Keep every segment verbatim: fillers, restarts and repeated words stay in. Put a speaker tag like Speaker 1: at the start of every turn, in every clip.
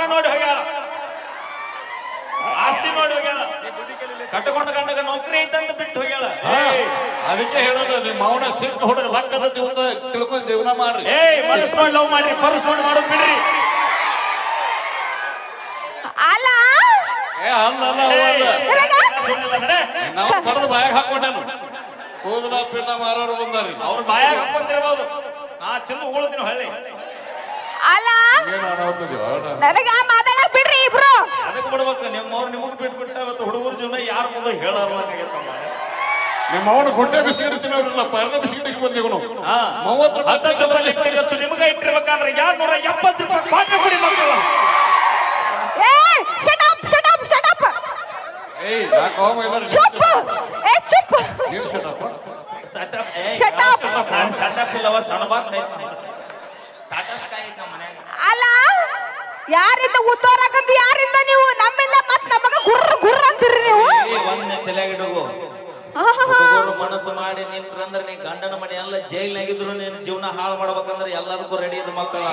Speaker 1: ನೋಡಿ ಹೋಗ್ಯಾಳ, ಆಸ್ತಿ ನೋಡಿ ಹೋಗ್ಯಾಳ, ಕಟ್ಟಕೊಂಡ ಗಂಡಗ ನೌಕರಿ ಐತಂತ ಬಿಟ್ಟು ಹೋಗ್ಯಾಳ.
Speaker 2: ಅದಕ್ಕೆ ಹೇಳೋದು ನಿಮ್ಮ ಅವನ ಸಿಕ್ಕ ಹುಡುಗ ಲಕ್ಕದ ಜೀವನ ತಿಳ್ಕೊಂಡು ಜೀವನ ಮಾಡ್ರಿ.
Speaker 1: ಏಯ್ ಮನಸ್ಸು ನೋಡಿ ಲವ್ ಮಾಡ್ರಿ, ಪರ್ಸ್ ನೋಡಿ ಮಾಡೋದು ಬಿಡ್ರಿ.
Speaker 3: ಅಲ್ಲ
Speaker 2: ಏ ಅಲ್ಲ ನಾವು ಪಡೆದು ಬಾಯಾಗ ಹಾಕೊಂಡೇನು ಕೂದಲ ಪಿನ್ನ ಮಾರೋರು ಬಂದಾರಿ.
Speaker 1: ಅವ್ರ ಬಾಯಾಗ ಹಾಕೊಂತಿರ್ಬೋದು, ನಾ ತಿಂದು ಉಳಿದಿನ ಹಳ್ಳಿ.
Speaker 3: ಅಲ್ಲ
Speaker 2: ಏನು ಅನಾಹುತದಿವ
Speaker 3: ನನಗ ಮಾತಾಡಕ್ ಬಿಡ್ರಿ ಇಬ್ರು.
Speaker 1: ಅದಕ್ಕೆ ಬಿಡ್ಬೇಕು, ನಿಮ್ಮವ್ರು ನಿಮಗ್ ಬಿಟ್ಬಿಟ್ಟ ಇವತ್ತು ಹುಡುಗರ ಜೀವನ ಯಾರ ಮುಂದೆ ಹೇಳರ್ಲಾಗೈತಮ್ಮ.
Speaker 2: ನಿಮ್ಮ ಅವನು ಗುಡ್ಡೆ ಬಿಸ್ಕಿಟ್ ತಿನ್ನೋರಿಲ್ಲ, ಪರ್ಣ ಬಿಸ್ಕಿಟ್ಗೆ ಬಂದಿವ್ ನಾವು. ಮೂವತ್ತು
Speaker 1: ಹತ್ತತ್ತು ರೂಪಾಯಿ ಲಿಟ್ರಿಗೆ ಹಚ್ಚು ನಿಮಗೆ ಇಟ್ಟಿರ್ಬೇಕಾದ್ರೆ ಎರಡ್ ನೂರ ಎಪ್ಪತ್ತು ರೂಪಾಯಿ ಕ್ವಾಟ್ರ್ ಕೊಡಿ ಮಕ್ಕಳು.
Speaker 3: ಏ shut up shut up shut up.
Speaker 2: ಏಯ್ ಯಾಕೋ ಮೈಲರ್
Speaker 3: ಚುಪ್. ಏ ಚುಪ್.
Speaker 2: ನೀನು ಶಟ್ ಅಪ್
Speaker 1: ಶಟ್ ಅಪ್. ಏ
Speaker 3: ಶಟ್ ಅಪ್.
Speaker 1: ನಾನು ಶಟ್ ಅಪ್ ಇಲ್ಲವ, ಸಣ್ಣ ಬಾಕ್ಸ್ ಐತಿ ಟಾಟಾ ಸ್ಕೈ ಐತಿ ನಮ್ಮ ಮನ್ಯಾಗ.
Speaker 3: ಅಲ್ಲ ಯಾರಿಂದ ಉತ್ತೋರಕಂತ ಯಾರಿಂದ ನೀವು ನಮ್ಮಿಂದ ಮತ್ ನಮಗ ಗುರ್ರ ಗುರ್ರ ಅಂತೀರಿ ನೀವು.
Speaker 1: ಏ ಒಂದೇ ತಲೆಗಿಡುಗು ಹುಡುಗರು ಮನಸ್ಸು ಮಾಡಿ ನಿಂತ್ರಂದ್ರೆ ನೀ ಗಂಡನ ಮನೆ ಎಲ್ಲ ಜೈಲ್ನಾಗಿದ್ರು ನೀನು ಜೀವನ ಹಾಳು ಮಾಡ್ಬೇಕಂದ್ರೆ ಎಲ್ಲದಕ್ಕೂ ರೆಡಿ ಇದ್ದ ಮಕ್ಕಳು.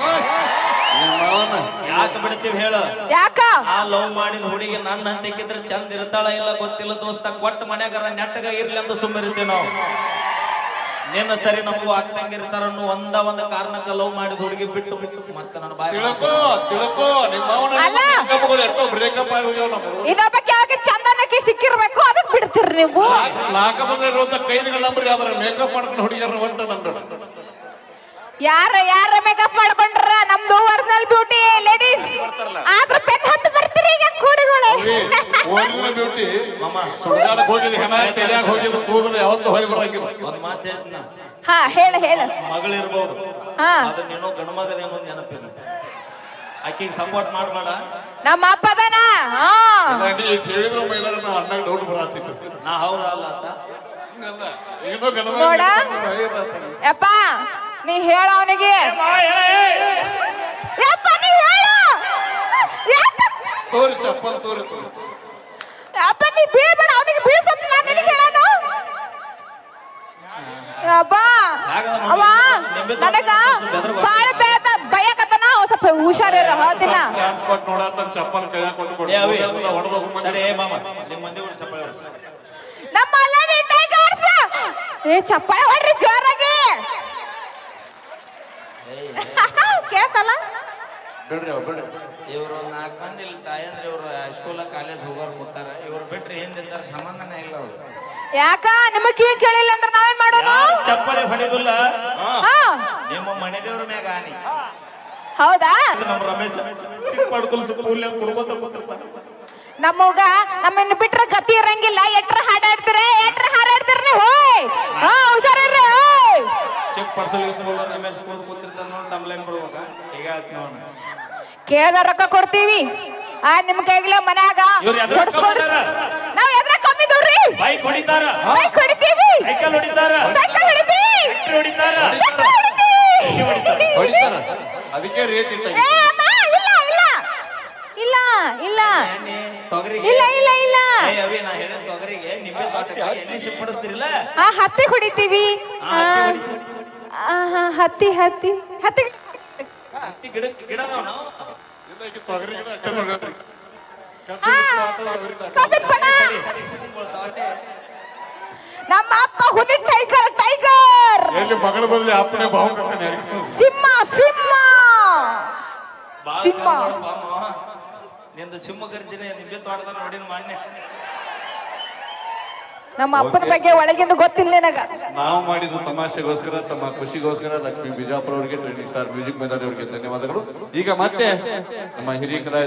Speaker 1: ಯಾಕೆ ಬಿಡ್ತೀವಿ ಹೇಳ?
Speaker 3: ಯಾಕ
Speaker 1: ಆ ಲವ್ ಮಾಡಿದ ಹುಡುಗಿ ನನ್ನ ಹಂತಕ್ಕಿದ್ರೆ ಚಂದ ಇರ್ತಾಳ ಇಲ್ಲ ಗೊತ್ತಿಲ್ಲ ದೋಸ್ತ, ಕೊಟ್ಟ ಮನ್ಯಾಗಾರ ನೆಟ್ಟಗ ಇರ್ಲಿ ಅಂತ ಸುಮ್ಮನಿರ್ತೀವಿ ನಾವು. ನಿನ್ನ ಸರಿ ನಮಗೂ ಆಗ್ತಂಗಿರ್ತಾರ ಅನ್ನೋ ಒಂದ ಒಂದ ಕಾರಣಕ್ಕ ಲವ್ ಮಾಡಿದ ಹುಡುಗಿ ಬಿಟ್ಟು ಬಿಟ್ಟು ಮತ್ತೆ ನನ್ನ ಬಾಯಿ
Speaker 2: ತಿಳ್ಕೋ ತಿಳ್ಕೋ ನಿಮ್ಮ ಅವನ ಎಷ್ಟೋ ಬ್ರೇಕಪ್ ಆಗಿ ಹೋಗ್ಯಾವ ನಮ್ಮ.
Speaker 3: ಇನ್ನೊಬ್ಬಕ್ಕೆ ಯಾವಾಗ ಚಂದನಕ್ಕೆ ಸಿಕ್ಕಿರ್ಬೇಕು ಅದಕ್ಕೆ ಬಿಡ್ತೀರಿ ನೀವು.
Speaker 2: ನಾಲ್ಕ ಬಂದ್ರೆ ಇರುವಂತ ಕೈದಿಗಳ ನಂಬರ್ ಯಾವ್ದಾರ ಮೇಕಪ್ ಮಾಡ್ಕೊಂಡು ಹುಡುಗಿಯರ ಹೊಂಟ ನಂದು.
Speaker 3: ಯಾರ ಯಾರ ಮೇಕಪ್ ಮಾಡ್ಕೊಂಡ್ರ ನಮ್ದು ಒರಿಜಿನಲ್ ಬ್ಯೂಟಿ ಲೇಡೀಸ್ ಆದ್ರ ಪೆನ್ ಹತ್ತು ಬರ್ತೀರಿ ಈಗ ಕೂಡಿಗಳು.
Speaker 2: ಒರಿಜಿನಲ್ ಬ್ಯೂಟಿ
Speaker 1: ಮಾಮ
Speaker 2: ಸುಡಾಡಕ್ ಹೋಗಿದ್ ಹೆಣ ತೆರೆಯಾಗ ಹೋಗಿದ್ ಕೂದಲು ಯಾವತ್ತು ಹೊಳಿ ಬರಂಗಿಲ್ಲ.
Speaker 1: ಒಂದ್ ಮಾತು ಹೇಳ್ತೀನ,
Speaker 3: ಹಾ ಹೇಳ ಹೇಳ.
Speaker 1: ಮಗಳಿರ್ಬೋದು
Speaker 3: ಹಾ
Speaker 1: ಅದ್ರ ನೀನು ಗಂಡು ಮಗದೇನೋ ನೆನಪಿಲ್ಲ, ಆಕಿಗೆ ಸಪೋರ್ಟ್ ಮಾಡ್ಬೇಡ.
Speaker 3: ನಮ್ಮ ಅಪ್ಪದನ ಹಾ
Speaker 2: ಹೇಳಿದ್ರು ಮೈಲಾರ ನಾವು ಅಣ್ಣಾಗ ಡೌಟ್ ಬರತ್ತಿತ್ತು.
Speaker 1: ನಾ ಹೌದಾ ಅಲ್ಲ ಅಂತ
Speaker 2: ಏನೋ ಗಂಡ
Speaker 3: ನೋಡ ಯಪ್ಪ ನೀ ಹೇಳ ಅವನಿಗೆ. ಯಪ್ಪ ನೀ ಹೇಳ.
Speaker 2: ತೋರಿ ಚಪ್ಪಲ್ ತೋರಿ ತೋರಿ
Speaker 3: ಯಪ್ಪ ನೀ ಬೀಳ್ಬೇಡ ಅವನಿಗೆ ಬೀಳ್ಸತ್ತ ನಾನು ನಿನಗೆ ಹೇಳೋಣ. ಯಪ್ಪ ಅವ ನನಗ ಬಾಳ ಬೇಡ ಭಯಕತ್ತನ ಸ್ವಲ್ಪ ಹುಷಾರಿರ ಹೇಳ್ತೀನ.
Speaker 2: ಚಾನ್ಸ್ ಕೊಟ್ಟು ನೋಡತ್ತ ಚಪ್ಪಲ್ ಕೈಯಾಗ ಕೊಟ್ಟು ಕೊಡು ಹೊಡೆದು
Speaker 1: ಅರೆ ಮಾಮ ನಿಮ್ಮ ಮಂದಿ ಒಂದು ಚಪ್ಪಾಳೆ ಹೊಡ್ಸಿ.
Speaker 3: ನಮ್ಮ ಅಲ್ಲಡಿ ಟೈಗರ್ಸ್ ಏ ಚಪ್ಪಾಳೆ ಹೊಡ್ರಿ ಜೋರಾಗಿ. ಕೇಳ್ತಲ್ಲ
Speaker 2: ಬಿಡ್ರಿ ಅವ್ರು ಬಿಡ್ರಿ.
Speaker 1: ಇವರು ನಾಲ್ಕು ಮಂದಿ ಇಲ್ಲಿ ತಾಯಂದ್ರೆ ಇವರು ಹೈಸ್ಕೂಲ ಕಾಲೇಜ್ ಹೋಗೋರು ಕೂತಾರ, ಇವ್ರು ಬಿಟ್ರೆ ಹಿಂದಿರ್ತಾರ, ಸಂಬಂಧನೇ ಇಲ್ಲ ಅವ್ರು. ಯಾಕ
Speaker 3: ನಿಮಗ್ ಕಿವಿ ಕೇಳಿಲ್ಲ ಅಂದ್ರೆ ನಾವೇನ್ ಮಾಡೋದು?
Speaker 1: ಚಪ್ಪಲಿ ಹೊಡಿದಿಲ್ಲ
Speaker 3: ಹಾ
Speaker 1: ನಿಮ್ಮ ಮನೆ ದೇವ್ರ ಮ್ಯಾಗ ಆನಿ.
Speaker 3: ಹೌದಾ?
Speaker 1: ನಮ್ಮ ರಮೇಶ್ ಚಿಕ್ಕ ಪಡ್ಕೊಲ್ ಸ್ಕೂಲ್ ಕುಡ್ಕೋತ ಕೂತಿರ್ತಾರ.
Speaker 3: ನಮ್ಮಗ ನಮ್ಮನ್ನ ಬಿಟ್ರೆ ಗತಿ ಇರಂಗಿಲ್ಲ. ಎಟ್ರ ಹಾಡಾಡ್ತೀರ ಎಟ್ರ ಹಾರಾಡ್ತೀರ ನೀವು. ಹಾ ಹುಷಾರಿರ್ರಿ.
Speaker 1: ಚಿಕ್ಕ ಪರ್ಸಲ್ ರಮೇಶ್ ಕುಡ್ದು ಕೂತಿರ್ತಾರ ನೋಡಿ ತಮ್ಲೇನ್ ಬರ್ಬೇಕ ಈಗ ನೋಡ
Speaker 3: ಕೇಳ್ದ ರೊಕ್ಕ ಕೊಡ್ತೀವಿ. ಆ ನಿಮ್ ಕೈಗಿಲ್ಲ ಮನ್ಯಾಗ ನಾವ್ ಎದ್ರ ಕಮ್ಮಿ ನೋಡ್ರಿ.
Speaker 1: ಬೈಕ್ ಹೊಡಿತಾರ,
Speaker 3: ಬೈಕ್ ಹೊಡಿತೀವಿ,
Speaker 1: ಸೈಕಲ್ ಹೊಡಿತಾರ,
Speaker 3: ಸೈಕಲ್ ಹೊಡಿತೀವಿ,
Speaker 1: ಟ್ರ್ಯಾಕ್ಟರ್ ಹೊಡಿತಾರ,
Speaker 2: ಹೊಡಿತಾರ. ಅದಕ್ಕೆ ರೇಟ್ ಇಟ್ಟ.
Speaker 3: ಏ ಅಮ್ಮ ಇಲ್ಲ ಇಲ್ಲ ಇಲ್ಲ ಇಲ್ಲ
Speaker 1: ತೊಗರಿಗೆ
Speaker 3: ಇಲ್ಲ ಇಲ್ಲ ಇಲ್ಲ
Speaker 1: ಅವಿ ನಾ ಹೇಳಿದ ತೊಗರಿಗೆ ನಿಂಬೆ ತೋಟಕ್ಕೆ ಎಣ್ಣೆ ಸಿಂಪಡಿಸ್ತಿರಲ್ಲ,
Speaker 3: ಆ ಹತ್ತಿ ಹೊಡಿತೀವಿ. ಹತ್ತಿ ಹತ್ತಿ ಹತ್ತಿ
Speaker 1: ಹತ್ತಿ ಗಿಡ ಗಿಡದವ ನಾವು
Speaker 2: ತೊಗರಿ ಗಿಡ ಅಷ್ಟೇ ನೋಡ್ರಿ.
Speaker 3: ನಮ್ಮ ಅಪ್ಪ ಹುಲಿ ಟೈಗರ್ ಟೈಗರ್.
Speaker 2: ಎಲ್ಲಿ ಮಗಳ ಬದಲಿ ಅಪ್ಪನೇ ಭಾವ
Speaker 3: ಸಿಂಹ ಸಿಂಹ ಸಿಂಹ.
Speaker 1: ನಿಂದು ಸಿಂಹ ಗರ್ಜನೆ ನಿಂಬೆ ತೋಟದ ನೋಡಿನ ಮಾನ್ಯ.
Speaker 3: ನಮ್ಮ ಅಪ್ಪನ ಬಗ್ಗೆ ಒಳಗಿಂದ ಗೊತ್ತಿಲ್ಲ ನನಗ.
Speaker 2: ನಾವು ಮಾಡಿದ್ದು ತಮಾಷೆಗೋಸ್ಕರ, ತಮ್ಮ ಖುಷಿಗೋಸ್ಕರ ಲಕ್ಷ್ಮೀ ಬಿಜಾಪುರ ಅವರಿಗೆ, ಟ್ರೆಂಡಿಂಗ್ ಸ್ಟಾರ್ ಮ್ಯೂಸಿಕ್ ಮೇಧಾವಿ ಅವರಿಗೆ ಧನ್ಯವಾದಗಳು. ಈಗ ಮತ್ತೆ ನಮ್ಮ ಹಿರಿಯ ಕಲಾ